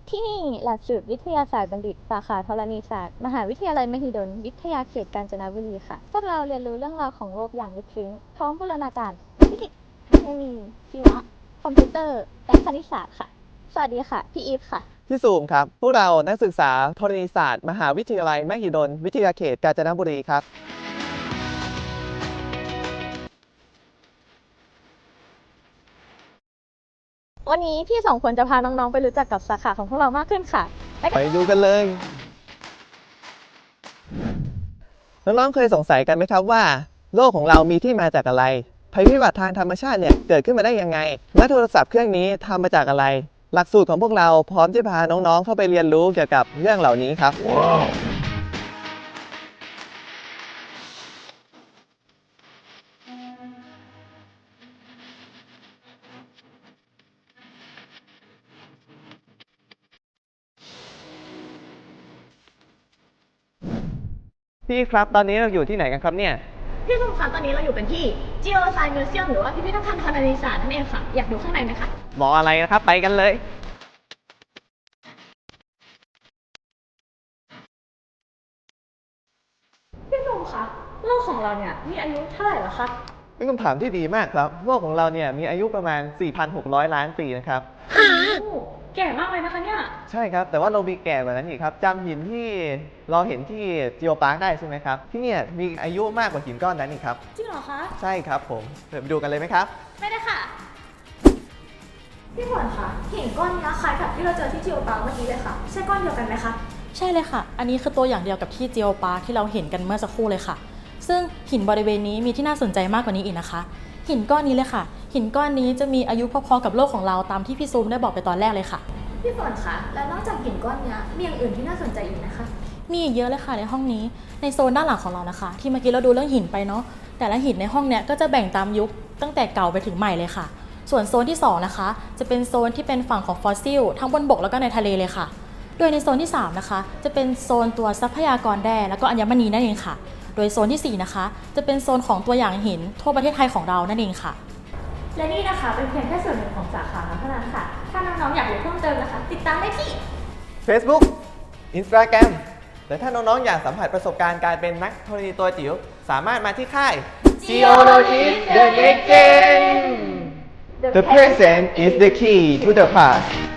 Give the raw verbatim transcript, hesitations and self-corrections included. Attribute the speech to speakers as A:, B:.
A: ที่นี่หลักสูตรวิทยาศาสตร์บัณฑิตสาขาธรณีศาสตร์มหาวิทยาลัยมหิดลวิทยาเขตกาญจนบุรีค่ะพวกเราเรียนรู้เรื่องราวของโลกอย่างลึกซึ้งพร้อมบูรณาการฟิสิกส์เคมีชีวะคอมพิวเตอร์และคณิตศาสตร์ค่ะสวัสดีค่ะพี่อีฟค่ะ
B: พี่ซูมครับพวกเรานักศึกษาธรณีศาสตร์มหาวิทยาลัยมหิดลวิทยาเขตกาญจนบุรีครับ
A: วันนี้พี่สองคนจะพาน้องๆไปรู้จักกับสาขาของพวกเรามากขึ้นค่ะ
B: ไปดูกันเลยน้องๆเคยสงสัยกันไหมครับว่าโลกของเรามีที่มาจากอะไรภัยพิบัติทางธรรมชาติเนี่ยเกิดขึ้นมาได้ยังไงและโทรศัพท์เครื่องนี้ทำมาจากอะไรหลักสูตรของพวกเราพร้อมที่พาน้องๆเข้าไปเรียนรู้เกี่ยวกับเรื่องเหล่านี้ครับ wow. พี่ครับตอนนี้เราอยู่ที่ไหนกันครับเนี่ย
A: พี่สุคะตอนนี้เราอยู่กันที่ Geoscience Museum หรือว่าพิพิธภัณฑ์ธรณีศาสตร์นั่นเองค่ะอยากดูข้างในไหมคะ
B: รออะไรนะครับไปกันเลย
A: พี่สุคะโลกของเราเนี่ยมีอายุเท่าไหร่แล้วคะ
B: เป็นคำถามที่ดีมากครับโลกของเราเนี่ยมีอายุประมาณ สี่พันหกร้อย ล้านปีนะครับ
A: แก่มากเลยนะคะเนี่ย
B: ใช่ครับแต่ว่าเรามีแก่กว่านั้นอีกครับจำหินที่เราเห็นที่จิโอปาร์คได้ใช่ไหมครับที่เนี่ยมีอายุมากกว่าหินก้อนนั้นอีกครับ
A: จริงเหรอคะ
B: ใช่ครับผมเดี๋ยวไปดูกันเลยไหมครับ
A: ไม่ได้ค่ะพี่ฝนคะหินก้อนนี้คล้ายกับที่เราเจอที่จิโอปาร์คเมื่อกี้เลยค่ะใช่ก้อนเดียวกันไหมคะ
C: ใช่เลยค่ะอันนี้คือตัวอย่างเดียวกับที่จิโอปาร์คที่เราเห็นกันเมื่อสักครู่เลยค่ะซึ่งหินบริเวณนี้มีที่น่าสนใจมากกว่านี้อีกนะคะหินก้อนนี้เลยค่ะหินก้อนนี้จะมีอายุพอๆกับโลกของเราตามที่พี่ซูมได้บอกไปตอนแรกเลยค่ะ
A: พี่ฝนคะแล้วนอกจากหินก้อนนี้มีอย่างอื่นที่น่าสนใจอีกนะคะ
C: มีอีกเยอะเลยค่ะในห้องนี้ในโซนด้านหลังของเรานะคะที่เมื่อกี้เราดูเรื่องหินไปเนาะแต่ละหินในห้องเนี้ยก็จะแบ่งตามยุคตั้งแต่เก่าไปถึงใหม่เลยค่ะส่วนโซนที่สองนะคะจะเป็นโซนที่เป็นฝั่งของฟอสซิลทั้งบนบกแล้วก็ในทะเลเลยค่ะโดยในโซนที่สามนะคะจะเป็นโซนตัวทรัพยากรแร่แล้วก็อัญมณีนั่นเองค่ะโดยโซนที่สี่นะคะจะเป็นโซนของตัวอย่างหินทั่วประเทศไทยของเรานั่นเองค่ะ
A: และนี่นะคะเป็นเพียงแค่ส่วนหนึ่งของสาขาเท่านั้นค่ะถ้าน้องๆอยากรู้เพิ่มเติมนะคะติดตามได้ที่
B: Facebook Instagram และถ้าน้องๆอยากสัมผัสประสบการณ์การเป็นนักธรณีตัวจิ๋วสามารถมาที่ค่าย Geologist the Next Gen The present is the key to the past